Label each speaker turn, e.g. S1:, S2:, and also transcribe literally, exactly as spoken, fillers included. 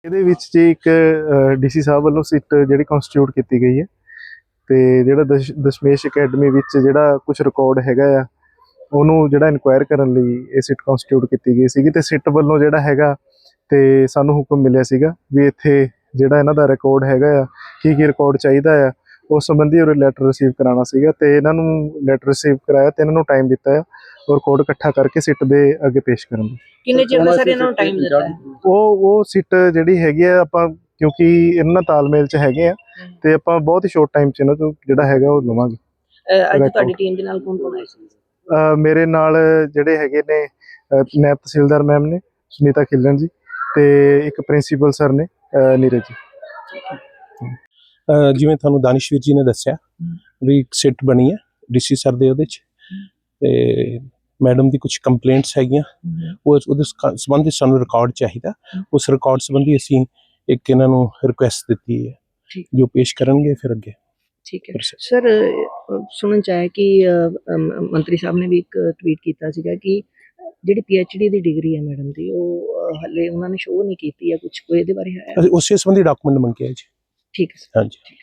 S1: ਇਹਦੇ ਵਿੱਚ ਜੀ ਇੱਕ ਡੀਸੀ ਸਾਹਿਬ ਵੱਲੋਂ ਸਿੱਟ ਜਿਹੜੀ ਕਨਸਟੀਟਿਊਟ ਕੀਤੀ ਗਈ ਹੈ ਤੇ ਜਿਹੜਾ ਦਸ਼ ਦਸ਼ਮੇਸ਼ ਅਕੈਡਮੀ ਵਿੱਚ ਜਿਹੜਾ ਕੁਝ ਰਿਕਾਰਡ ਹੈਗਾ ਆ ਉਹਨੂੰ ਜਿਹੜਾ ਇਨਕੁਆਇਰ ਕਰਨ ਲਈ ਇਹ ਸਿੱਟ ਕਨਸਟੀਟਿਊਟ ਕੀਤੀ ਗਈ ਸੀਗੀ ਤੇ ਸਿੱਟ ਵੱਲੋਂ ਜਿਹੜਾ ਹੈਗਾ ਤੇ ਸਾਨੂੰ ਹੁਕਮ ਮਿਲਿਆ ਸੀਗਾ ਵੀ ਇੱਥੇ ਜਿਹੜਾ ਇਹਨਾਂ ਦਾ ਰਿਕਾਰਡ ਹੈਗਾ ਆ ਕੀ ਕੀ ਰਿਕਾਰਡ ਚਾਹੀਦਾ ਆ ਉਸ ਸੰਬੰਧੀ ਉਹ ਲੈਟਰ ਰਿਸੀਵ ਕਰਾਉਣਾ ਸੀਗਾ ਤੇ ਇਹਨਾਂ ਨੂੰ ਲੈਟਰ ਰਿਸੀਵ ਕਰਾਇਆ ਤੇ ਇਹਨਾਂ ਨੂੰ ਟਾਈਮ ਦਿੱਤਾ ਆ ਔਰ ਕੋਡ ਇਕੱਠਾ ਕਰਕੇ ਸਿੱਟ ਦੇ ਅੱਗੇ ਪੇਸ਼ ਕਰਨ ਦਾ।
S2: ਕਿੰਨੇ ਚਿਰ ਦਾ ਸਰ ਇਹਨਾਂ ਨੂੰ ਟਾਈਮ ਦਿੱਤਾ ਹੈ?
S1: ਉਹ ਉਹ ਸਿੱਟ ਜਿਹੜੀ ਹੈਗੀ ਆ ਆਪਾਂ ਕਿਉਂਕਿ ਇਹਨਾਂ ਨਾਲ ਤਾਲਮੇਲ 'ਚ ਹੈਗੇ ਆ ਤੇ ਆਪਾਂ ਬਹੁਤ ਹੀ ਸ਼ੋਰਟ ਟਾਈਮ 'ਚ ਇਹਨਾਂ ਤੋਂ ਜਿਹੜਾ ਹੈਗਾ ਉਹ ਲਵਾਂਗੇ।
S2: ਅੱਜ ਤੁਹਾਡੀ ਟੀਮ ਦੇ ਨਾਲ ਕੌਣ ਕੌਣ ਆਇਆ ਸੀ?
S1: ਮੇਰੇ ਨਾਲ ਜਿਹੜੇ ਹੈਗੇ ਨੇ ਨਾਇਬ ਤਹਿਸੀਲਦਾਰ ਮੈਮ ਨੇ ਸੁਨੀਤਾ ਖਿਲਣ ਜੀ ਤੇ ਇੱਕ ਪ੍ਰਿੰਸੀਪਲ ਸਰ ਨੇ ਨੀਰਜ ਜੀ।
S3: ਜਿਵੇਂ ਤੁਹਾਨੂੰ ਦਾਨਿਸ਼ਵੀਰ ਜੀ ਨੇ ਦੱਸਿਆ ਵੀ ਇੱਕ ਸਿੱਟ ਬਣੀ ਹੈ ਡੀਸੀ ਸਰ ਦੇ ਉਹਦੇ 'ਚ ਤੇ ਮੈਡਮ ਦੀ ਕੁਝ ਕੰਪਲੇਂਟਸ ਹੈਗੀਆਂ ਉਹ ਉਹਦੇ ਸੰਬੰਧੀ ਸਾਨੂੰ ਰਿਕਾਰਡ ਚਾਹੀਦਾ। ਉਸ ਰਿਕਾਰਡ ਸੰਬੰਧੀ ਅਸੀਂ ਇੱਕ ਇਹਨਾਂ ਨੂੰ ਰਿਕੁਐਸਟ ਦਿੱਤੀ ਹੈ ਜੋ ਪੇਸ਼ ਕਰਨਗੇ ਫਿਰ ਅੱਗੇ।
S2: ਠੀਕ ਹੈ ਸਰ, ਸੁਣਨ ਚ ਆਇਆ ਕਿ ਮੰਤਰੀ ਸਾਹਿਬ ਨੇ ਵੀ ਇੱਕ ਟਵੀਟ ਕੀਤਾ ਸੀਗਾ ਕਿ ਜਿਹੜੀ ਪੀ ਐਚ ਡੀ ਦੀ ਡਿਗਰੀ ਹੈ ਮੈਡਮ ਦੀ ਉਹ ਹਲੇ ਉਹਨਾਂ ਨੇ ਸ਼ੋਅ ਨਹੀਂ ਕੀਤੀ ਹੈ ਕੁਝ, ਕੋਈ ਇਹਦੇ ਬਾਰੇ ਹੈ?
S3: ਉਸੇ ਸੰਬੰਧੀ ਡਾਕੂਮੈਂਟ ਮੰਗਿਆ ਜੀ।
S2: ਠੀਕ ਹੈ
S3: ਹਾਂਜੀ।